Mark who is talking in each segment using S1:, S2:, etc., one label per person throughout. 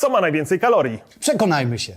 S1: Co ma najwięcej kalorii?
S2: Przekonajmy się.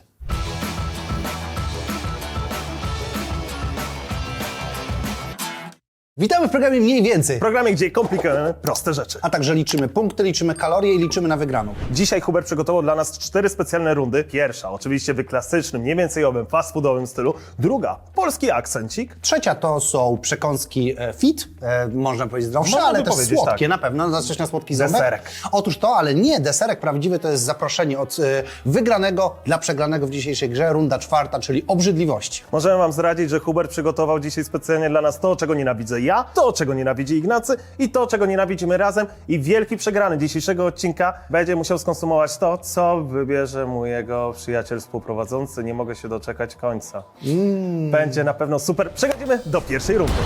S2: Witamy w programie Mniej Więcej,
S1: W programie, gdzie komplikujemy proste rzeczy.
S2: a także liczymy punkty, liczymy kalorie i liczymy na wygraną.
S1: Dzisiaj Hubert przygotował dla nas 4 specjalne rundy. Pierwsza oczywiście w klasycznym, mniej więcejowym, fast foodowym stylu. Druga, polski akcencik.
S2: Trzecia to są przekąski fit, można powiedzieć zdrowsze,
S1: Można
S2: ale
S1: by
S2: też
S1: powiedzieć,
S2: słodkie
S1: tak.
S2: na pewno, zacząć na słodki ząbek.
S1: Deserek.
S2: Otóż to, ale nie, deserek prawdziwy to jest zaproszenie od wygranego dla przegranego w dzisiejszej grze, runda czwarta, czyli obrzydliwości.
S1: Możemy wam zdradzić, że Hubert przygotował dzisiaj specjalnie dla nas to, czego nienawidzę ja, to, czego nienawidzi Ignacy i to, czego nienawidzimy razem. I wielki przegrany dzisiejszego odcinka będzie musiał skonsumować to, co wybierze mu jego przyjaciel współprowadzący. Nie mogę się doczekać końca. Będzie na pewno super. Przechodzimy do pierwszej rundy.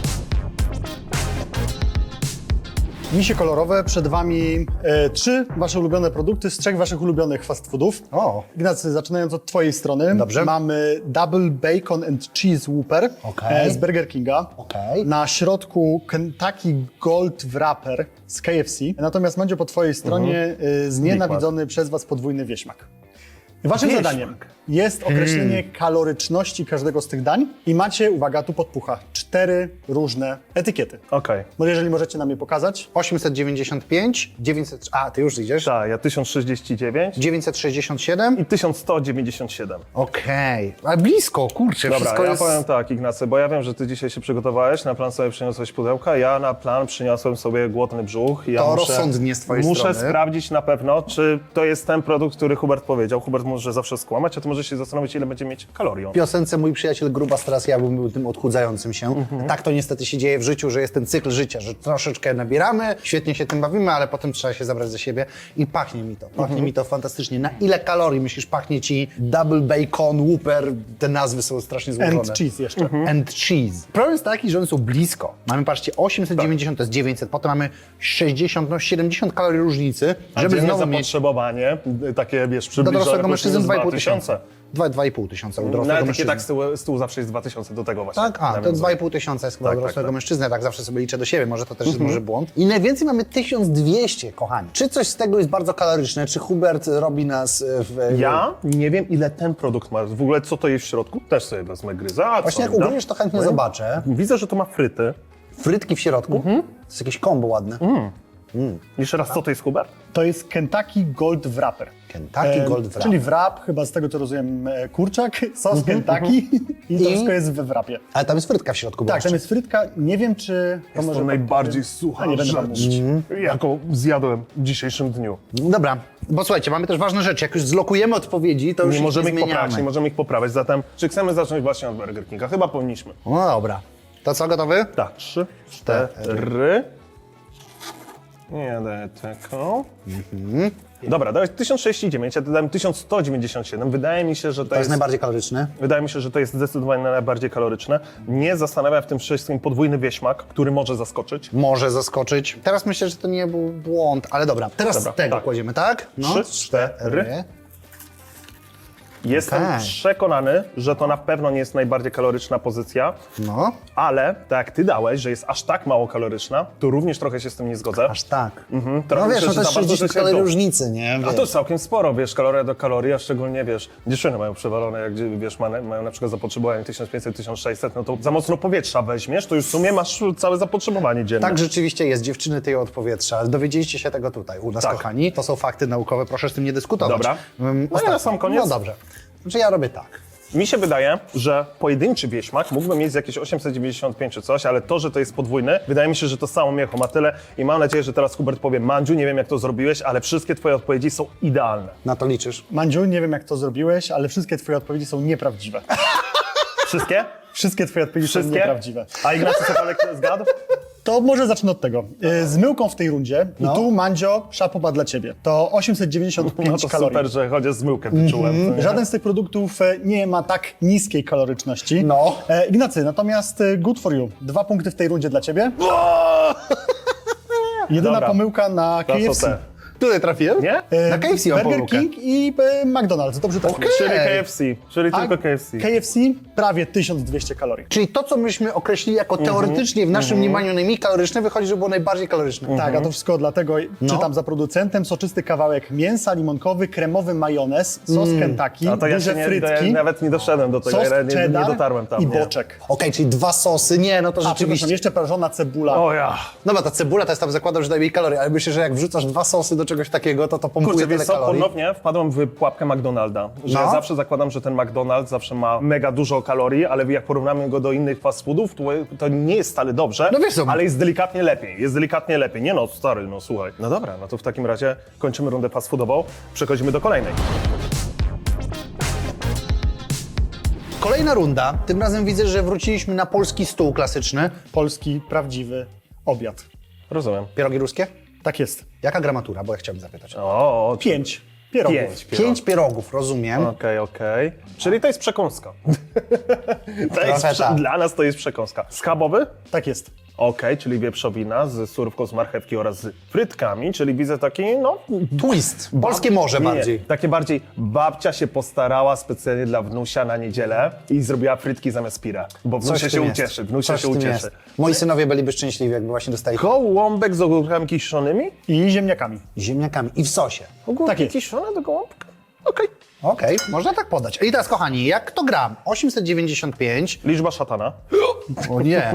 S3: Misie kolorowe, przed Wami 3 Wasze ulubione produkty z 3 Waszych ulubionych fast foodów.
S2: O.
S3: Ignacy, zaczynając od Twojej strony.
S2: Dobrze.
S3: Mamy Double Bacon and Cheese Whopper
S2: Okej.
S3: z Burger Kinga.
S2: Okej.
S3: Na środku Kentucky Gold Wrapper z KFC. Natomiast Mandzio, po Twojej stronie znienawidzony przez Was podwójny wieśmak. Waszym
S1: Wieśmak.
S3: zadaniem jest określenie kaloryczności każdego z tych dań i macie, uwaga, tu podpucha, 4 różne etykiety.
S1: Okej.
S3: No jeżeli możecie nam je pokazać.
S2: 895, 900, a ty już idziesz?
S1: Tak, ja 1069
S2: 967.
S1: i 1197.
S2: Okej, ale blisko, kurczę,
S1: Dobra,
S2: wszystko
S1: ja
S2: jest...
S1: powiem tak, Ignacy, bo ja wiem, że ty dzisiaj się przygotowałeś, na plan sobie przyniosłeś pudełka, ja na plan przyniosłem sobie głodny brzuch. I ja
S2: To rozsądnie z twojej
S1: muszę
S2: strony.
S1: sprawdzić na pewno, czy to jest ten produkt, który Hubert powiedział. Hubert może zawsze skłamać, a ty możesz się zastanowić, ile będzie mieć kalorii on.
S2: W piosence mój przyjaciel Grubas, teraz ja bym był tym odchudzającym się. Tak to niestety się dzieje w życiu, że jest ten cykl życia, że troszeczkę nabieramy, świetnie się tym bawimy, ale potem trzeba się zabrać za siebie i pachnie mi to. Pachnie mi to fantastycznie. Na ile kalorii myślisz pachnie ci Double Bacon, Whopper? Te nazwy są strasznie złożone.
S3: And cheese jeszcze.
S2: And cheese. Problem jest taki, że one są blisko. Mamy, patrzcie, 890 to jest 900, potem mamy 60, no 70 kalorii różnicy,
S1: A
S2: żeby
S1: dzienne
S2: znowu mieć
S1: zapotrzebowanie, takie wiesz,
S2: do
S1: przybliżone
S2: dorosłego mężczyzny 2,5
S1: 2000.
S2: tysiąca. 2,5 tysiąca u
S1: Na
S2: dorosłego
S1: etykietach
S2: mężczyzny.
S1: z tyłu zawsze jest 2000 do tego właśnie.
S2: Tak? A, to
S1: nawiązuję.
S2: 2,5 tysiąca jest chyba
S1: Tak,
S2: u dorosłego
S1: tak.
S2: mężczyzny, tak zawsze sobie liczę do siebie, może to też jest może błąd. I najwięcej mamy 1200, kochani. Czy coś z tego jest bardzo kaloryczne? Czy Hubert robi nas w...
S1: Ja nie wiem, ile ten produkt ma. W ogóle co to jest w środku? Też sobie wezmę gryzę. A
S2: Właśnie
S1: co,
S2: jak
S1: da?
S2: ugryziesz, to chętnie zobaczę.
S1: Widzę, że to ma fryty.
S2: Frytki w środku. To jest jakieś kombo ładne.
S1: Jeszcze raz, co to jest, Hubert?
S3: To jest Kentucky Gold Wrapper.
S2: Kentucky Gold Wrap.
S3: Czyli wrap, chyba z tego co rozumiem, kurczak, sos Kentucky i to wszystko jest we wrapie.
S2: Ale tam jest frytka w środku.
S3: Tak,
S2: jeszcze.
S3: tam jest frytka. Nie wiem, czy to
S1: Jest
S3: może...
S1: to najbardziej sucha
S3: A nie będę wam
S1: rzecz,
S3: mówić.
S1: jaką zjadłem w dzisiejszym dniu.
S2: Dobra, bo słuchajcie, mamy też ważne rzeczy. Jak już zlokujemy odpowiedzi, to już
S1: Nie
S2: ich
S1: możemy ich
S2: zmieniamy.
S1: poprawić, nie możemy ich poprawiać. Zatem, czy chcemy zacząć właśnie od Burger Kinga? Chyba powinniśmy.
S2: No dobra. To co, gotowy?
S1: Tak, 3, 4. Nie daję taką. Dobra, dałeś 1069, ja dodałem 1197. Wydaje mi się, że to
S2: To jest
S1: jest...
S2: najbardziej kaloryczny.
S1: Wydaje mi się, że to jest zdecydowanie najbardziej kaloryczne. Nie zastanawia w tym wszystkim podwójny wieśmak, który może zaskoczyć.
S2: Może zaskoczyć. Teraz myślę, że to nie był błąd, ale dobra. Teraz
S1: Dobra,
S2: tego
S1: tak.
S2: kładziemy, tak?
S1: 3, 4. Jestem
S2: Okej.
S1: przekonany, że to na pewno nie jest najbardziej kaloryczna pozycja,
S2: No,
S1: ale tak jak ty dałeś, że jest aż tak mało kaloryczna, to również trochę się z tym nie zgodzę.
S2: aż tak.
S1: Trochę
S2: No wiesz,
S1: myślę,
S2: no
S1: że
S2: to jest
S1: za bardzo
S2: 60
S1: się
S2: kalorii
S1: to-
S2: różnicy, nie?
S1: A
S2: Wiesz.
S1: to całkiem sporo, wiesz, kaloria do kalorii, a szczególnie, wiesz, dziewczyny mają przewalone, jak wiesz, mają na przykład zapotrzebowanie 1500-1600, no to za mocno powietrza weźmiesz, to już w sumie masz całe zapotrzebowanie dzienne.
S2: Tak rzeczywiście jest, dziewczyny tyją od powietrza. Dowiedzieliście się tego tutaj u nas,
S1: Tak.
S2: kochani. To są fakty naukowe, proszę z tym nie dyskutować.
S1: Dobra. No i
S2: ostatni.
S1: na sam koniec?
S2: No dobrze. Znaczy ja robię tak.
S1: Mi się wydaje, że pojedynczy wieśmak mógłby mieć jakieś 895 czy coś, ale to, że to jest podwójny, wydaje mi się, że to samo miecho ma tyle i mam nadzieję, że teraz Hubert powie: Mandziu, nie wiem jak to zrobiłeś, ale wszystkie twoje odpowiedzi są idealne.
S2: Na to liczysz.
S3: Mandziu, nie wiem jak to zrobiłeś, ale wszystkie twoje odpowiedzi są nieprawdziwe.
S1: Wszystkie?
S3: Wszystkie twoje odpowiedzi są
S1: Wszystkie?
S3: nieprawdziwe.
S1: A Ignacy Sopalek zgadł?
S3: To może zacznę od tego. Z myłką w tej rundzie
S2: No.
S3: i tu, Mandzio, szapoba dla ciebie. To 895
S1: No to
S3: kalorii.
S1: super, że chociaż zmyłkę wyczułem. co nie?
S3: Żaden z tych produktów nie ma tak niskiej kaloryczności.
S2: No.
S3: Ignacy, natomiast good for you. 2 punkty w tej rundzie dla ciebie. Jedyna
S1: Dobra.
S3: pomyłka na
S1: To są
S3: KFC.
S1: te.
S2: Tutaj trafiłem?
S1: Nie?
S2: Na KFC mam
S3: Burger
S2: pomyłkę.
S3: King i McDonald's, dobrze trafiłeś.
S1: Czyli KFC, czyli tylko KFC.
S3: KFC prawie 1200 kalorii.
S2: Czyli to, co myśmy określili jako teoretycznie w naszym mniemaniu najmniej kaloryczne, wychodzi, że było najbardziej kaloryczne.
S3: Tak, a to wszystko dlatego czytam za producentem, soczysty kawałek mięsa limonkowy, kremowy majonez, sos Kentucky,
S1: A to ja
S3: duże
S1: się
S3: frytki,
S1: ja nawet nie doszedłem do tego,
S3: sos
S1: ja nie
S3: cheddar
S1: dotarłem tam.
S3: i
S1: nie.
S3: boczek.
S2: Okej, czyli 2 sosy, nie, no to
S3: A, przepraszam,
S2: rzeczywiście.
S3: jeszcze prażona cebula.
S1: O ja.
S2: No bo ta cebula to jest tam zakładam, że najmniej kalorii, ale myślę, że jak wrzucasz 2 sosy do czegoś takiego, to pompuje
S1: Kurczę,
S2: tyle
S1: wiesz co,
S2: kalorii.
S1: ponownie wpadłem w pułapkę McDonalda, że
S2: No.
S1: ja zawsze zakładam, że ten McDonald's zawsze ma mega dużo kalorii, ale jak porównamy go do innych fast foodów, to nie jest wcale dobrze,
S2: No wiesz co,
S1: ale jest delikatnie lepiej, Nie no, stary, no słuchaj. No dobra, no to w takim razie kończymy rundę fast foodową, przechodzimy do kolejnej.
S2: Kolejna runda, tym razem widzę, że wróciliśmy na polski stół klasyczny.
S3: Polski, prawdziwy obiad.
S1: Rozumiem.
S2: Pierogi ruskie?
S3: Tak jest.
S2: Jaka gramatura, bo ja chciałbym zapytać.
S1: O,
S3: 5 pierogów.
S1: 5
S2: 5 pierogów, rozumiem.
S1: Okej. Czyli to jest przekąska.
S2: Trochę tak.
S1: Dla nas to jest przekąska. Schabowy?
S3: Tak jest.
S1: Okej, czyli wieprzowina z surówką z marchewki oraz z frytkami, czyli widzę taki, no...
S2: Twist, polskie morze bardziej.
S1: Nie, takie bardziej babcia się postarała specjalnie dla wnusia na niedzielę i zrobiła frytki zamiast pira, bo
S2: Coś
S1: wnusia
S2: w tym
S1: się
S2: jest.
S1: ucieszy, wnusia
S2: Coś
S1: się
S2: w tym
S1: ucieszy.
S2: jest. Moi synowie byliby szczęśliwi, jakby właśnie dostali
S1: Gołąbek z ogórkami kiszonymi?
S3: I ziemniakami.
S2: ziemniakami i w sosie.
S1: Ogórki
S3: Tak jest.
S1: kiszone do gołąbka? Okej.
S2: Okej, można tak podać. I teraz, kochani, jak to gram? 895,
S1: Liczba szatana.
S2: o nie,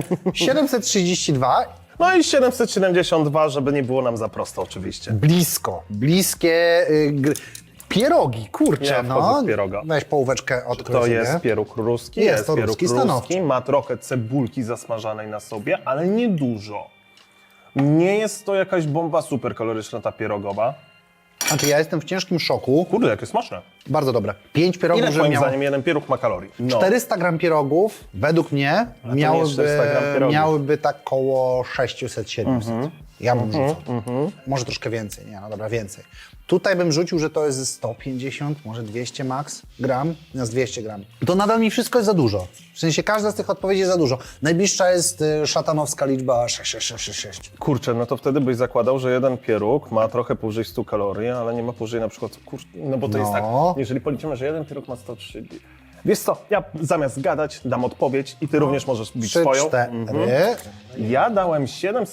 S2: 732,
S1: No i 772, żeby nie było nam za prosto oczywiście.
S2: blisko, bliskie pierogi, kurczę,
S1: Ja wchodzę
S2: no.
S1: w pieroga.
S2: Weź połóweczkę od
S1: To jest pieróg ruski,
S2: Jest to
S1: pieróg
S2: ruski, stanowczo.
S1: ma trochę cebulki zasmażanej na sobie, ale nie dużo. Nie jest to jakaś bomba super kaloryczna ta pierogowa.
S2: Znaczy, ja jestem w ciężkim szoku.
S1: Kurde, jakie smaczne.
S2: Bardzo dobre. 5 pierogów,
S1: Ile
S2: żeby
S1: twoim
S2: miało...
S1: zdaniem jeden pieróg ma kalorii? No.
S2: 400 gram pierogów, według mnie,
S1: nie jest 400 gram pierogów.
S2: miałyby tak koło 600-700.
S1: Mhm.
S2: Ja bym rzucał. Może troszkę więcej, nie, no dobra, więcej. Tutaj bym rzucił, że to jest 150, może 200 max gram, zamiast 200 gram. To nadal mi wszystko jest za dużo. W sensie każda z tych odpowiedzi jest za dużo. Najbliższa jest szatanowska liczba 6666.
S1: Kurczę, no to wtedy byś zakładał, że jeden pieróg ma trochę powyżej 100 kalorii, ale nie ma powyżej na przykład, no bo to jest tak, jeżeli policzymy, że jeden pieróg ma 130. Wiesz co, ja zamiast gadać dam odpowiedź i ty również możesz bić
S2: 3,
S1: swoją.
S2: 4.
S1: Ja dałem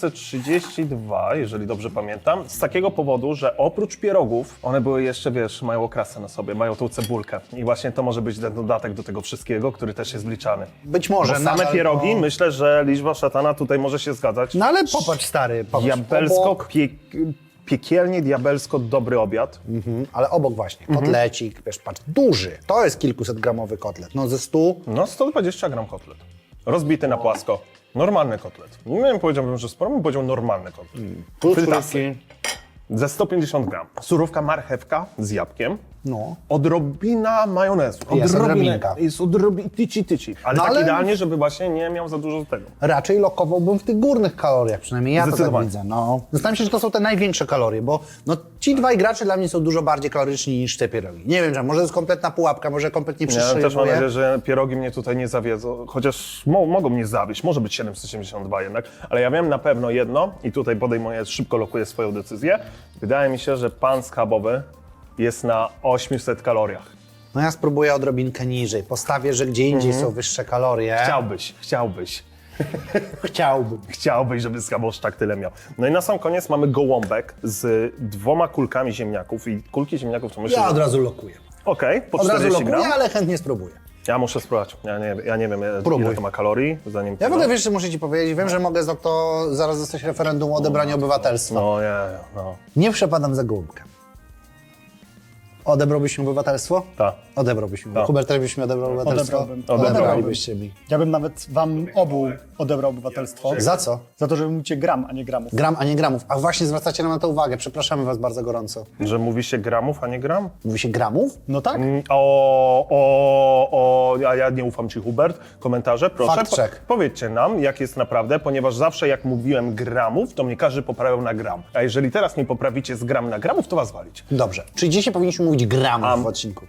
S1: 732, jeżeli dobrze pamiętam, z takiego powodu, że oprócz pierogów, one były jeszcze, wiesz, mają okrasę na sobie, mają tą cebulkę. I właśnie to może być ten dodatek do tego wszystkiego, który też jest wliczany.
S2: Być może.
S1: Bo same
S2: nadal,
S1: pierogi,
S2: no.
S1: myślę, że liczba szatana tutaj może się zgadzać.
S2: No ale popatrz, stary, popatrz.
S1: Diabelsko,
S2: Obok,
S1: piekielnie diabelsko dobry obiad.
S2: ale obok właśnie, kotlecik, wiesz, patrz, duży. To jest kilkusetgramowy kotlet. No ze 100.
S1: No 120 gram kotlet. Rozbity na płasko. Normalny kotlet. Nie powiedziałbym, że sporo, bym powiedział normalny kotlet. Frytasy. Ze 150 gram. Surówka marchewka z jabłkiem.
S2: No.
S1: Odrobina majonezu.
S2: Jest odrobinka.
S1: Jest tyci. Ale
S2: No
S1: tak
S2: ale-
S1: idealnie, żeby właśnie nie miał za dużo tego.
S2: Raczej lokowałbym w tych górnych kaloriach, przynajmniej ja to tak
S1: Zdecydowanie.
S2: widzę. No. Zastanawiam się, że to są te największe kalorie, bo no, ci dwaj gracze dla mnie są dużo bardziej kaloryczni niż te pierogi. Nie wiem, że może to jest kompletna pułapka, może kompletnie
S1: Ja też mam
S2: przestrzeliwuję.
S1: nadzieję, że pierogi mnie tutaj nie zawiedzą, chociaż mogą mnie zawieść, może być 772 jednak, ale ja wiem na pewno jedno i tutaj podejmuję, szybko lokuję swoją decyzję. Wydaje mi się, że pan schabowy jest na 800 kaloriach.
S2: No ja spróbuję odrobinkę niżej. Postawię, że gdzie indziej są wyższe kalorie.
S1: Chciałbyś, żeby schabosz tak tyle miał. No i na sam koniec mamy gołąbek z 2 kulkami ziemniaków i kulki ziemniaków to myślę,
S2: Ja
S1: że...
S2: od razu lokuję.
S1: Okej, po
S2: Od razu
S1: 40
S2: lokuję,
S1: gram.
S2: ale chętnie spróbuję.
S1: Ja muszę spróbować. Ja nie wiem,
S2: Próbuj.
S1: ile to ma kalorii, zanim...
S2: Ja w ogóle wiesz, że muszę ci powiedzieć, wiem, że mogę zaraz dostać referendum o odebranie obywatelstwa.
S1: No nie, no.
S2: Nie przepadam za gołąbkę. Odebrałbyś mi obywatelstwo?
S1: Tak.
S2: Odebrałbyś mi.
S1: Tak.
S2: Hubert, też byś mi odebrał obywatelstwo?
S3: Odebrałbym.
S2: Odebralibyście mi.
S3: Ja bym nawet wam obu odebrał obywatelstwo.
S2: Za co?
S3: Za to, że mówicie gram, a nie gramów.
S2: Gram, a nie gramów. A właśnie zwracacie nam na to uwagę. Przepraszamy was bardzo gorąco.
S1: Że mówi się gramów, a nie gram?
S2: Mówi się gramów?
S3: No tak?
S1: Ja nie ufam ci, Hubert. Komentarze, proszę.
S2: Fact check.
S1: Powiedzcie nam, jak jest naprawdę, ponieważ zawsze jak mówiłem gramów, to mnie każdy poprawiał na gram. A jeżeli teraz nie poprawicie z gram na gramów, to was walić.
S2: Dobrze. Czyli dzisiaj powinniśmy mówić gramów w odcinku.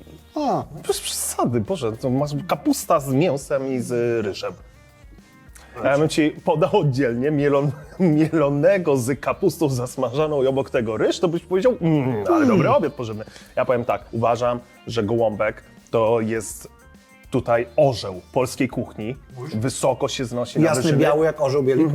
S1: Bez przesady, Boże, to masz kapusta z mięsem i z ryżem. Ja bym ci podał oddzielnie mielonego z kapustą zasmażaną i obok tego ryż, to byś powiedział, ale dobry obiad pożywny. Ja powiem tak, uważam, że gołąbek to jest tutaj orzeł polskiej kuchni. Wysoko się znosi na
S2: Jasny,
S1: wyżyny.
S2: biały jak orzeł bielik.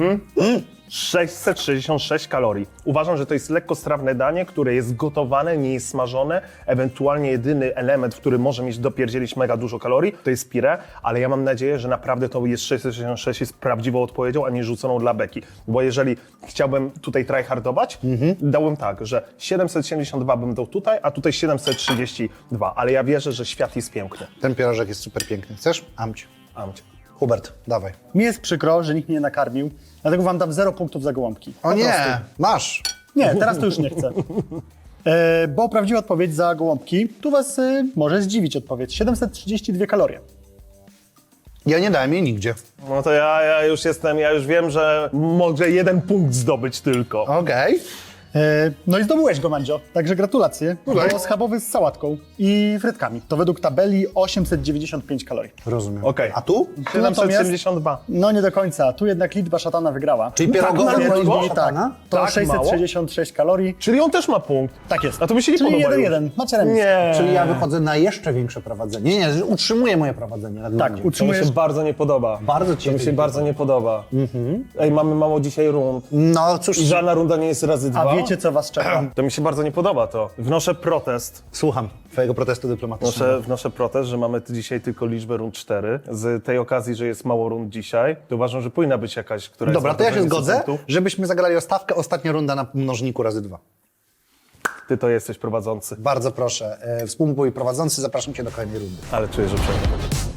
S1: 666 kalorii. Uważam, że to jest lekkostrawne danie, które jest gotowane, nie jest smażone. Ewentualnie jedyny element, który może mieć dopierdzielić mega dużo kalorii, to jest pire, ale ja mam nadzieję, że naprawdę to jest 666 jest prawdziwą odpowiedzią, a nie rzuconą dla beki. Bo jeżeli chciałbym tutaj tryhardować, dałbym tak, że 772 bym dał tutaj, a tutaj 732, ale ja wierzę, że świat jest piękny.
S2: Ten pierożek jest super piękny. Chcesz? Amć.
S1: Amcie.
S2: Hubert, dawaj.
S3: Mi jest przykro, że nikt mnie nie nakarmił, dlatego wam dam 0 punktów za gołąbki.
S2: O
S3: Po
S2: nie,
S3: prostu.
S2: masz.
S3: Nie, teraz to już nie chcę. Bo prawdziwa odpowiedź za gołąbki, tu was może zdziwić odpowiedź. 732 kalorie.
S2: Ja nie dałem jej nigdzie.
S1: No to ja już wiem, że mogę 1 punkt zdobyć tylko.
S2: Okej.
S3: No i zdobyłeś go, Mandzio, także gratulacje. To schabowy z sałatką i frytkami. To według tabeli 895 kalorii.
S2: Rozumiem.
S1: Okej.
S2: A tu?
S1: 772.
S3: No nie do końca, tu jednak liczba szatana wygrała.
S2: Czyli pierogowe
S1: mało
S2: była
S1: było?
S2: liczba szatana?
S3: To
S1: Tak
S3: 666 kalorii.
S1: Czyli on też ma punkt.
S3: Tak jest.
S1: A to by się nie
S3: Czyli
S1: podoba
S3: 1-1, macie remis.
S1: Nie.
S2: Czyli ja wychodzę na jeszcze większe prowadzenie. Nie, utrzymuję moje prowadzenie. Na
S3: Tak,
S2: gruncie.
S1: To mi
S3: utrzymujesz.
S1: się bardzo nie podoba.
S2: Bardzo ci
S1: To mi się bardzo nie podoba. Ej, mamy mało dzisiaj rund.
S2: No cóż,
S1: I żadna runda nie jest razy dwa.
S3: A wiecie, co was czeka?
S1: To mi się bardzo nie podoba to. Wnoszę protest.
S2: słucham twojego protestu dyplomatycznego.
S1: Wnoszę protest, że mamy dzisiaj tylko liczbę rund 4. Z tej okazji, że jest mało rund dzisiaj, to uważam, że powinna być jakaś, która
S2: Dobra,
S1: jest
S2: to ja się
S1: na
S2: zgodzę,
S1: punktów.
S2: żebyśmy zagrali o stawkę. Ostatnia runda na mnożniku razy 2.
S1: Ty to jesteś prowadzący.
S2: Bardzo proszę. Współmój prowadzący, zapraszam cię do kolejnej rundy.
S1: Ale czuję, że przejdę.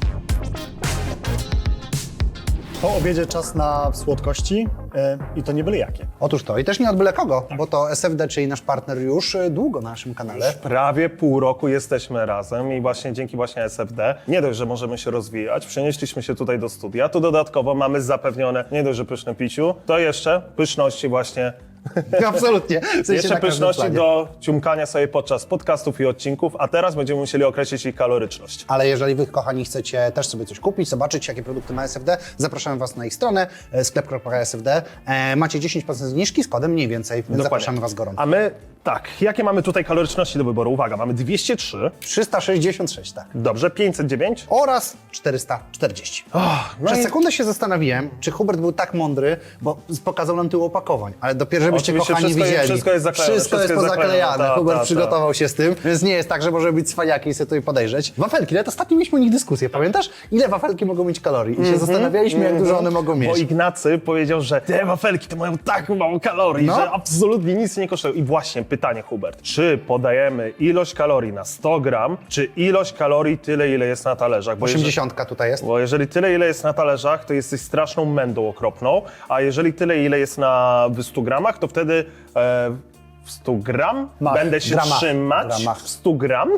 S3: Po obiedzie czas na słodkości i to nie byle jakie.
S2: Otóż to. I też nie od byle kogo, bo to SFD, czyli nasz partner już długo na naszym kanale.
S1: Prawie pół roku jesteśmy razem i właśnie dzięki właśnie SFD nie dość, że możemy się rozwijać, przenieśliśmy się tutaj do studia, tu dodatkowo mamy zapewnione nie dość, że pyszne piciu, to jeszcze pyszności właśnie,
S2: Absolutnie. W sensie
S1: jeszcze
S2: na każdym
S1: pyszności
S2: planie.
S1: do ciumkania sobie podczas podcastów i odcinków, a teraz będziemy musieli określić ich kaloryczność.
S2: Ale jeżeli wy, kochani, chcecie też sobie coś kupić, zobaczyć, jakie produkty ma SFD, zapraszamy was na ich stronę sklep.sfd. Macie 10% zniżki z kodem mniej więcej, więc zapraszamy was gorąco.
S1: A my, tak, jakie mamy tutaj kaloryczności do wyboru? Uwaga, mamy 203,
S2: 366, tak.
S1: dobrze, 509.
S2: Oraz 440.
S1: No
S2: Przez
S1: i
S2: sekundę się zastanawiałem, czy Hubert był tak mądry, bo pokazał nam tył opakowań, ale dopiero żebyście,
S1: Oczywiście
S2: kochani,
S1: wszystko jest-
S2: widzieli.
S1: wszystko jest zaklejone,
S2: Wszystko jest
S1: wszystko jest
S2: pozaklejane.
S1: zaklejone,
S2: Hubert
S1: ta.
S2: przygotował się z tym, więc nie jest tak, że może być cwaniakiem i sobie tutaj podejrzeć. Wafelki, ale ostatnio mieliśmy o nich dyskusję, pamiętasz? Ile wafelki mogą mieć kalorii? I się zastanawialiśmy, jak dużo one mogą
S1: Bo
S2: mieć.
S1: Ignacy powiedział, że te wafelki to mają tak mało kalorii,
S2: No.
S1: że absolutnie nic nie kosztują. I właśnie pytanie, Hubert, czy podajemy ilość kalorii na 100 gram, czy ilość kalorii tyle, ile jest na talerzach? Bo
S2: 80 tutaj jest.
S1: Bo jeżeli tyle, ile jest na talerzach, to jesteś straszną mędą okropną, a jeżeli tyle, ile jest na 100 gramach, to wtedy w 100 gram będę się
S2: Gramach.
S1: trzymać
S2: Gramach.
S1: w 100 gram,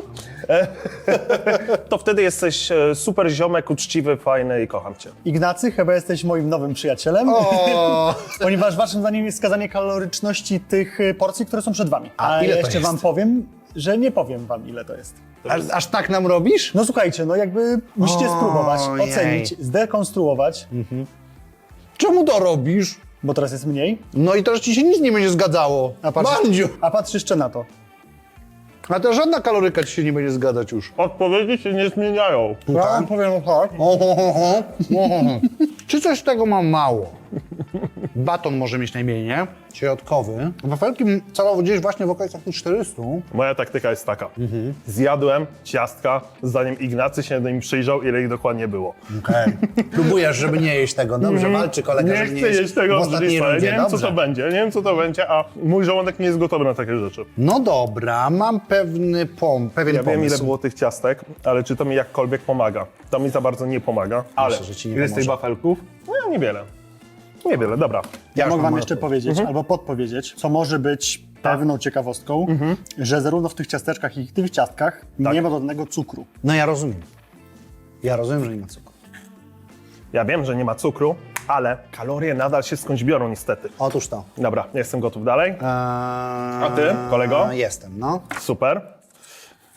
S1: to wtedy jesteś super ziomek, uczciwy, fajny i kocham cię.
S3: Ignacy, chyba jesteś moim nowym przyjacielem,
S2: O,
S3: ponieważ waszym zdaniem jest wskazanie kaloryczności tych porcji, które są przed wami.
S2: A
S3: A
S2: ile
S3: ja
S2: to
S3: jeszcze
S2: jest?
S3: wam powiem, że nie powiem wam, ile to jest.
S2: aż tak nam robisz?
S3: No słuchajcie, no jakby musicie spróbować,
S2: Ojej.
S3: ocenić, zdekonstruować,
S2: Czemu to robisz?
S3: bo teraz jest mniej,
S2: No i to, że ci się nic nie będzie zgadzało. Mandziu!
S3: a patrz jeszcze na to.
S2: A to żadna kaloryka ci się nie będzie zgadzać już.
S1: Odpowiedzi się nie zmieniają.
S3: Ja wam powiem tak.
S2: Czy coś z tego mam mało? Baton może mieć najmniej, nie? Środkowy. Wafelki celowo gdzieś właśnie w okolicach tych 400.
S1: Moja taktyka jest taka. Zjadłem ciastka, zanim Ignacy się do nim przyjrzał, ile ich dokładnie było.
S2: Okej. Próbujesz, żeby nie jeść tego. Dobrze, walczy kolega,
S1: Nie
S2: żeby
S1: chcę jeść tego
S2: w
S1: w
S2: ostatniej
S1: brzuchu,
S2: rundzie.
S1: nie wiem co
S2: Dobrze.
S1: to będzie, nie wiem co to będzie, a mój żołądek nie jest gotowy na takie rzeczy.
S2: No dobra, mam pewien
S1: Ja
S2: pomysł.
S1: wiem ile było tych ciastek, ale czy to mi jakkolwiek pomaga? To mi za bardzo nie pomaga, ale
S2: że ci nie
S1: ile z tych
S2: pomoże.
S1: wafelków? No niewiele. Niewiele, dobra.
S3: Ja
S2: już
S3: mogę
S2: mam
S3: wam jeszcze
S2: odpowiedź.
S3: powiedzieć, albo podpowiedzieć, co może być pewną ciekawostką, że zarówno w tych ciasteczkach, jak i w tych ciastkach nie ma dodanego cukru.
S2: No ja rozumiem. Ja rozumiem, że nie ma cukru.
S1: Ja wiem, że nie ma cukru, ale kalorie nadal się skądś biorą niestety.
S2: Otóż to.
S1: Dobra, jestem gotów dalej.
S2: A
S1: ty, kolego?
S2: Jestem, no.
S1: Super.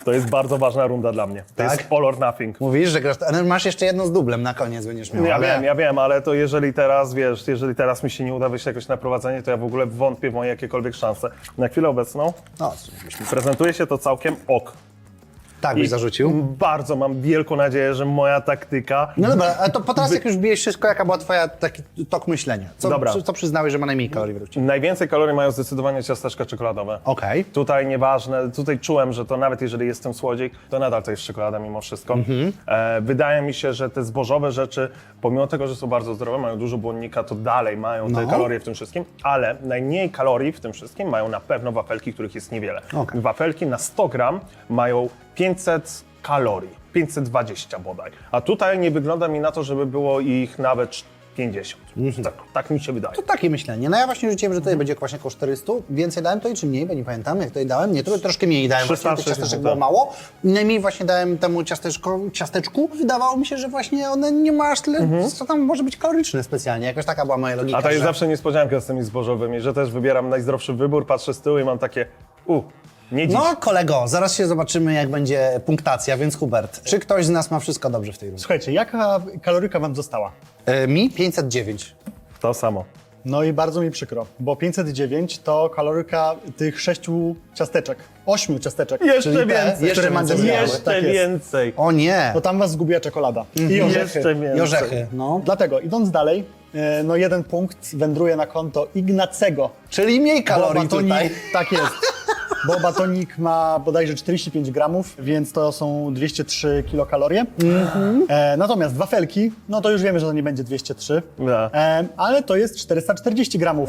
S1: To jest bardzo ważna runda dla mnie. To
S2: Tak?
S1: jest all or nothing.
S2: Mówisz, że grasz, ale masz jeszcze jedno z dublem na koniec będziesz miał.
S1: Ja wiem, ale to jeżeli teraz, wiesz, jeżeli teraz mi się nie uda wyjść jakoś na prowadzenie, to ja w ogóle wątpię w moje jakiekolwiek szanse. Na chwilę obecną
S2: No,
S1: prezentuje się to całkiem ok.
S2: tak byś zarzucił.
S1: Bardzo mam wielką nadzieję, że moja taktyka...
S2: No dobra, a to po teraz jak już bijesz wszystko, jaka była twoja taki tok myślenia?
S1: Dobra.
S2: Co przyznałeś, że ma najmniej kalorii według ciebie?
S1: Najwięcej kalorii mają zdecydowanie ciasteczka czekoladowe.
S2: Okej.
S1: Tutaj nieważne, tutaj czułem, że to nawet jeżeli jest ten słodzik, to nadal to jest czekolada mimo wszystko. Wydaje mi się, że te zbożowe rzeczy, pomimo tego, że są bardzo zdrowe, mają dużo błonnika, to dalej mają te
S2: No.
S1: kalorie w tym wszystkim, ale najmniej kalorii w tym wszystkim mają na pewno wafelki, których jest niewiele.
S2: Okej.
S1: Wafelki na 100 gram mają 500 kalorii, 520 bodaj. A tutaj nie wygląda mi na to, żeby było ich nawet 50. Tak mi się wydaje.
S2: To takie myślenie. No ja właśnie rzuciłem, że tutaj będzie właśnie około 400. Więcej dałem to i czy mniej, bo nie pamiętam, jak tutaj dałem. Nie, troszkę mniej dałem, właśnie tych
S1: 360,
S2: ciasteczek
S1: tak.
S2: było mało. I najmniej właśnie dałem temu ciasteczku. Wydawało mi się, że właśnie one nie ma aż tyle, co tam może być kaloryczne specjalnie. Jakoś taka była moja logika.
S1: A to jest
S2: że...
S1: zawsze niespodzianka z tymi zbożowymi, że też wybieram najzdrowszy wybór, patrzę z tyłu i mam takie, nie dziś.
S2: No kolego, zaraz się zobaczymy, jak będzie punktacja, więc Hubert, czy ktoś z nas ma wszystko dobrze w tej rundzie?
S3: Słuchajcie, jaka kaloryka wam została?
S2: Mi 509.
S1: To samo.
S3: No i bardzo mi przykro, bo 509 to kaloryka tych 6 ciasteczek, 8 ciasteczek.
S1: Jeszcze
S2: Czyli te
S1: więcej.
S2: jeszcze
S3: Mandzio
S2: więcej.
S3: zjadłeś.
S1: Jeszcze
S3: Tak jest.
S1: więcej.
S2: O nie!
S3: To tam was zgubiła czekolada i orzechy.
S1: Jeszcze więcej.
S2: I orzechy, no.
S3: Dlatego, idąc dalej, no jeden punkt wędruje na konto Ignacego.
S2: Czyli mniej kalorii
S3: Bo batonik-
S2: tutaj.
S3: Tak jest. Bo batonik ma bodajże 45 gramów, więc to są 203 kilokalorie. Natomiast wafelki, no to już wiemy, że to nie będzie 203,
S1: Da.
S3: ale to jest 440 gramów.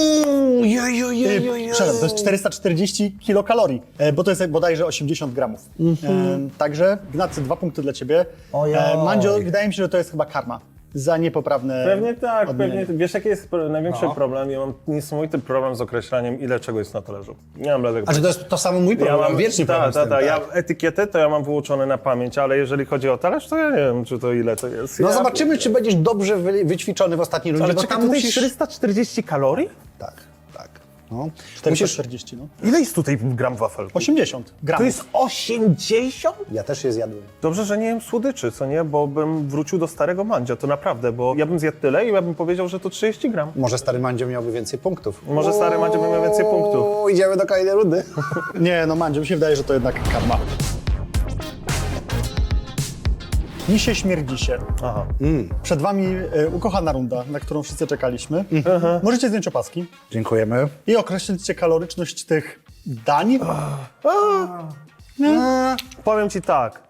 S3: Przepraszam, to jest 440 kilokalorii, bo to jest bodajże 80 gramów. Także Ignacy, 2 punkty dla ciebie.
S2: Ojoj.
S3: Mandzio, wydaje mi się, że to jest chyba karma za niepoprawne
S1: Pewnie tak,
S3: odmienienie.
S1: pewnie. Wiesz, jaki jest największy problem? Ja mam niesamowity problem z określaniem, ile czego jest na talerzu. Nie mam bladego.
S2: A czy to jest to samo mój problem? Mam wiecznie problem z tym, tak.
S1: Ja etykietę to ja mam wyuczone na pamięć, ale jeżeli chodzi o talerz, to ja nie wiem, czy to ile to jest.
S2: No
S1: ja...
S2: zobaczymy, czy będziesz dobrze wyćwiczony w ostatniej rundzie,
S1: Ale
S2: bo
S1: czekaj,
S2: tam
S1: tutaj
S2: musisz...
S1: 440 kalorii?
S2: Tak, tak. No.
S3: 440, no.
S1: Ile jest tutaj gram wafelku?
S3: 80 gramów.
S1: To jest 80?
S2: Ja też je zjadłem.
S1: Dobrze, że nie jem słodyczy, co nie? Bo bym wrócił do starego Mandzia, to naprawdę, bo ja bym zjadł tyle i ja bym powiedział, że to 30 gram.
S2: Może stary Mandzio miałby więcej punktów.
S1: Może stary Mandzio by miał więcej punktów.
S2: Idziemy do kolejnej rundy.
S3: Nie, no Mandzio, mi się wydaje, że to jednak karma. Misie śmierdzi się.
S1: Aha.
S3: Przed wami ukochana runda, na którą wszyscy czekaliśmy. Możecie zdjąć opaski
S2: Dziękujemy.
S3: i określić kaloryczność tych dań.
S1: Powiem ci tak.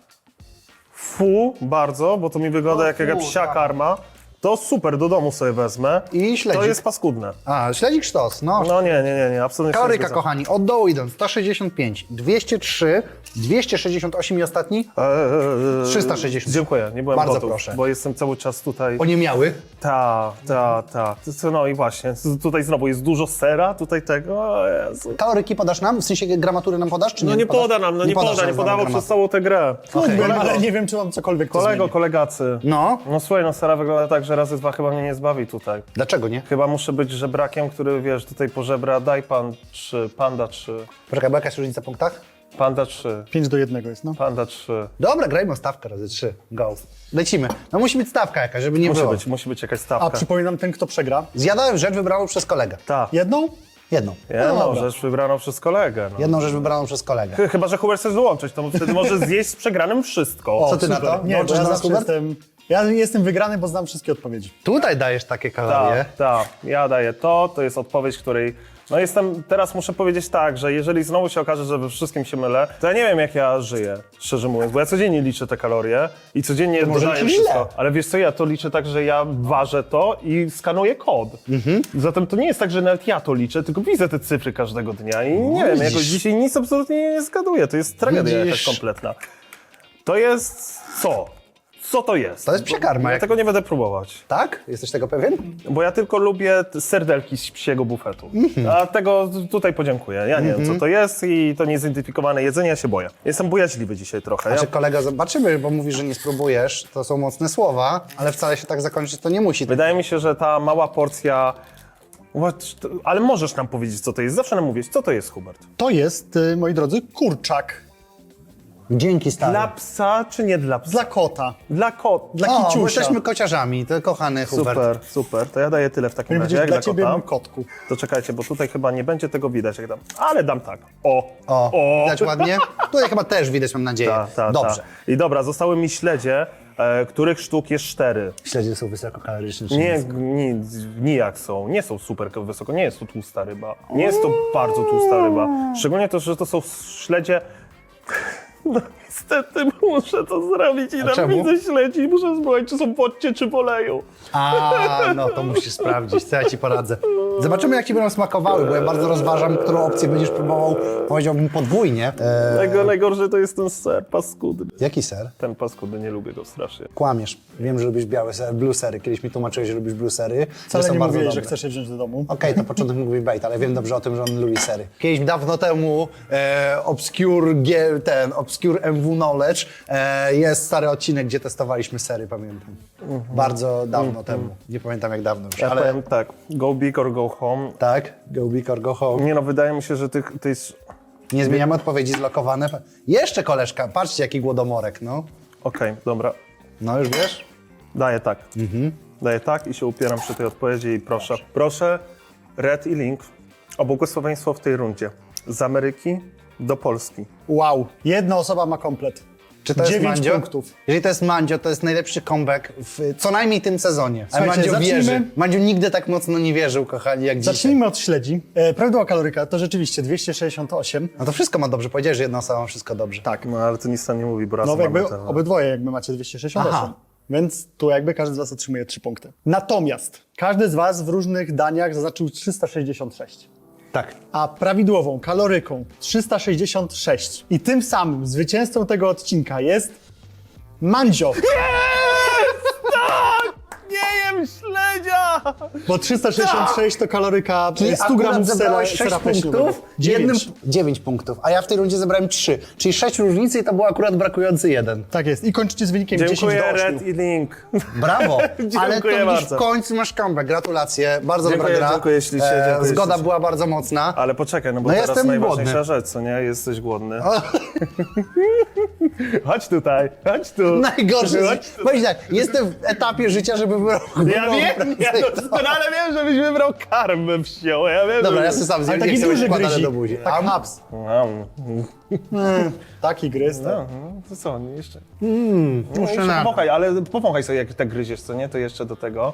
S1: Fu, bardzo, bo to mi wygląda jak jakaś psia karma. To super, do domu sobie wezmę.
S2: I śledzik.
S1: To jest paskudne.
S2: A, śledzik sztos, no.
S1: No nie, absolutnie się nie
S2: Kaloryka,
S1: zgadzam.
S2: kochani, od dołu idąc, 165, 203, 268 i ostatni? 360.
S1: Dziękuję, nie byłem
S2: Bardzo
S1: gotów,
S2: proszę.
S1: bo jestem cały czas tutaj.
S2: Oniemiały.
S1: Ta. No i właśnie, tutaj znowu jest dużo sera, tutaj tego, o Jezu.
S2: Kaloryki podasz nam? W sensie gramatury nam podasz, czy nie?
S1: No nie poda nam,
S2: podasz nam
S1: nie podawał
S2: gramatury.
S1: przez całą tę grę.
S3: Wiem, ale nie wiem, czy mam cokolwiek to zmieni.
S1: Kolegacy.
S2: No,
S1: No słuchaj, no sera wygląda tak, że razy 2 chyba mnie nie zbawi tutaj.
S2: dlaczego nie?
S1: Chyba muszę być żebrakiem, który, wiesz, tutaj pożebra, daj pan 3, panda 3,
S2: Poczekaj, bo jaka jest różnica w punktach?
S1: panda 3,
S3: 5-1 jest, no.
S1: panda 3.
S2: Dobra, grajmy o stawkę razy 3. Go. Lecimy. No musi być stawka jakaś, żeby nie było.
S1: Musi być jakaś
S3: A
S1: stawka.
S3: przypominam, ten kto przegra.
S2: Zjadałem rzecz wybraną przez kolegę.
S1: Tak.
S3: Jedną?
S2: Jedną.
S1: Jedną
S3: dobra.
S1: rzecz wybraną przez kolegę. No.
S2: Jedną rzecz wybraną przez kolegę.
S1: Chyba, że Hubert chce dołączyć, to wtedy może zjeść z przegranym wszystko.
S2: Co ty na
S3: Super.
S2: to?
S3: Nie, bo
S2: Dołączysz
S3: ja
S2: do nas,
S3: zawsze
S2: Hubert?
S3: ja jestem wygrany, bo znam wszystkie odpowiedzi.
S2: Tutaj dajesz takie kalorie.
S1: Tak, ja daję to jest odpowiedź, której... No teraz muszę powiedzieć tak, że jeżeli znowu się okaże, że we wszystkim się mylę, to ja nie wiem, jak ja żyję, szczerze mówiąc, bo ja codziennie liczę te kalorie i codziennie
S2: może
S1: dodaję
S2: liczysz
S1: wszystko.
S2: źle.
S1: Ale wiesz co, ja to liczę tak, że ja ważę to i skanuję kod. Zatem to nie jest tak, że nawet ja to liczę, tylko widzę te cyfry każdego dnia i nie wiem, jakoś dzisiaj nic absolutnie nie zgaduję. To jest tragedia
S2: Widzisz?
S1: jakaś kompletna. To jest co? Co to jest?
S2: To jest psia karma.
S1: Ja
S2: Jak...
S1: tego nie będę próbować.
S2: Tak? Jesteś tego pewien?
S1: Bo ja tylko lubię serdelki z psiego bufetu. A tego tutaj podziękuję. Ja nie wiem, co to jest i to niezidentyfikowane jedzenie, ja się boję. Jestem bojaźliwy dzisiaj trochę.
S2: Znaczy kolega, zobaczymy, bo mówisz, że nie spróbujesz. To są mocne słowa, ale wcale się tak zakończyć to nie musi.
S1: Wydaje mi się, że ta mała porcja... Ale możesz nam powiedzieć, co to jest. Zawsze nam mówisz, co to jest, Hubert.
S3: To jest, moi drodzy, kurczak.
S2: Dzięki, stary.
S1: Dla psa czy nie dla psa?
S3: Dla kota.
S1: Dla kot.
S3: Dla
S2: O, bo
S3: kiciusia.
S2: jesteśmy kociarzami, to kochany Hubert.
S1: Super, super. To ja daję tyle w takim
S3: Powinien
S1: razie.
S3: być
S1: Jak
S3: dla
S1: dla
S3: ciebie,
S1: kota?
S3: mój kotku.
S1: To czekajcie, bo tutaj chyba nie będzie tego widać, jak dam. Ale dam tak. O.
S2: Widać ładnie? Tutaj chyba też widać, mam nadzieję. Dobrze.
S1: I dobra, zostały mi śledzie, których sztuk jest 4.
S2: Śledzie są wysokokaloryczne. czy
S1: Nie, nijak są. Nie są super wysoko. Nie jest to tłusta ryba. Nie jest to bardzo tłusta ryba. Szczególnie to, że to są śledzie... No niestety muszę to zrobić i
S2: czemu?
S1: widzę śledzi i muszę spróbować, czy są w odcie, czy poleją.
S2: No to musisz sprawdzić, co ja ci poradzę. Zobaczymy, jak ci będą smakowały, bo ja bardzo rozważam, którą opcję będziesz próbował, powiedziałbym podwójnie.
S1: Najgorsze to jest ten ser paskudny.
S2: Jaki ser?
S1: Ten paskudny, nie lubię go strasznie.
S2: Kłamiesz. Wiem, że lubisz białe sery, blue sery. Kiedyś mi tłumaczyłeś, że lubisz blue sery.
S3: Wcale
S2: są
S3: nie
S2: bardzo
S3: mówiłeś, że
S2: dobre.
S3: chcesz je wziąć do domu.
S2: Okej, to początek mówi bait, ale wiem dobrze o tym, że on lubi sery. Kiedyś dawno temu Obscure MW Knowledge jest stary odcinek, gdzie testowaliśmy sery, pamiętam. Bardzo dawno temu. Nie pamiętam jak dawno już,
S1: Ja
S2: ale
S1: powiem tak, go big or go home.
S2: tak, go big or go home.
S1: Nie no, wydaje mi się, że to jest...
S2: Nie zmieniamy odpowiedzi zlokowane. Jeszcze koleżka, patrzcie jaki głodomorek, no.
S1: Okej, dobra.
S2: No już wiesz?
S1: Daję tak. Daję tak i się upieram przy tej odpowiedzi i proszę. Proszę Red i Link o błogosławieństwo w tej rundzie. Z Ameryki do Polski.
S3: Wow. Jedna osoba ma komplet.
S2: Czy to jest
S3: 9
S2: Mandzio?
S3: punktów.
S2: Jeżeli to jest Mandzio, to jest najlepszy comeback w co najmniej tym sezonie. A
S3: Słuchajcie,
S2: Mandzio
S3: zacznijmy-
S2: wierzy. Mandzio nigdy tak mocno nie wierzył, kochani, jak dzisiaj.
S3: Zacznijmy od śledzi. Prawidłowa kaloryka to rzeczywiście 268.
S2: No to wszystko ma dobrze. Powiedziałeś, że jedna osoba ma wszystko dobrze.
S3: Tak.
S1: No ale to nic tam nie mówi, bo raz
S3: No
S1: mamy
S3: jakby
S1: ten...
S3: obydwoje jakby macie 268.
S2: Aha.
S3: Więc tu jakby każdy z was otrzymuje 3 punkty. Natomiast każdy z was w różnych daniach zaznaczył 366.
S2: Tak.
S3: A prawidłową kaloryką 366. I tym samym zwycięzcą tego odcinka jest Mandzio.
S1: Nie jem śledzia!
S3: Bo 366 to kaloryka
S2: Czyli
S3: 100
S2: akurat
S3: gramów
S2: zebrałeś
S3: sera
S2: 6
S3: pleśniowego.
S2: punktów,
S3: 9.
S2: 9 punktów, a ja w tej rundzie zebrałem 3. Czyli 6 różnicy i to był akurat brakujący 1.
S3: Tak jest. I kończycie z wynikiem 10
S1: Dziękuję
S3: do 8.
S1: Red i Link.
S2: Brawo! Ale to
S1: Dziękuję
S2: widzisz,
S1: bardzo.
S2: w końcu masz comeback. Gratulacje. Bardzo
S1: Dziękuję,
S2: dobra gra.
S1: dziękuję ślicznie, dziękuję
S2: Zgoda
S1: ślicznie.
S2: była bardzo mocna.
S1: Ale poczekaj, no bo
S2: No
S1: teraz
S2: jestem
S1: najważniejsza
S2: głodny.
S1: rzecz, co nie? Jesteś głodny. Chodź tutaj, chodź tu.
S2: Najgorsze.
S1: Chodź tu.
S2: Powiedz tak, jestem w etapie życia, żeby wybrał
S1: Ja wiem, ja doskonale wiem, żebyś wybrał karmę wsią. Ja wiem,
S2: Dobra,
S1: że...
S2: ja sobie sam
S3: Ale
S2: zjem,
S3: taki
S2: nie chcę
S3: duży
S2: wkładane
S3: gryzik.
S2: do buzi.
S3: Tak haps. Taki gryz.
S1: No, to co, jeszcze?
S2: Muszę
S1: Jeszcze
S2: na...
S1: powąchaj, ale powąchaj sobie, jak tak gryziesz, co nie? To jeszcze do tego.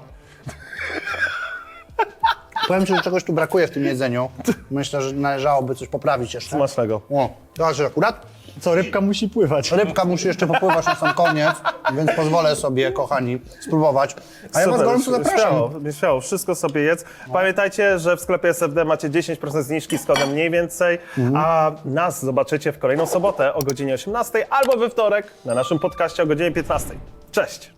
S2: Powiem ci, że czegoś tu brakuje w tym jedzeniu. Myślę, że należałoby coś poprawić jeszcze.
S1: Smacznego.
S2: O, teraz akurat
S3: Co, rybka musi pływać.
S2: rybka musi jeszcze popływać na sam koniec, więc pozwolę sobie, kochani, spróbować. A ja was gorąco zapraszam.
S1: Śmiało, śmiało, wszystko sobie jedz. Pamiętajcie, że w sklepie SFD macie 10% zniżki z kodem mniej więcej, a nas zobaczycie w kolejną sobotę o godzinie 18 albo we wtorek na naszym podcaście o godzinie 15. Cześć!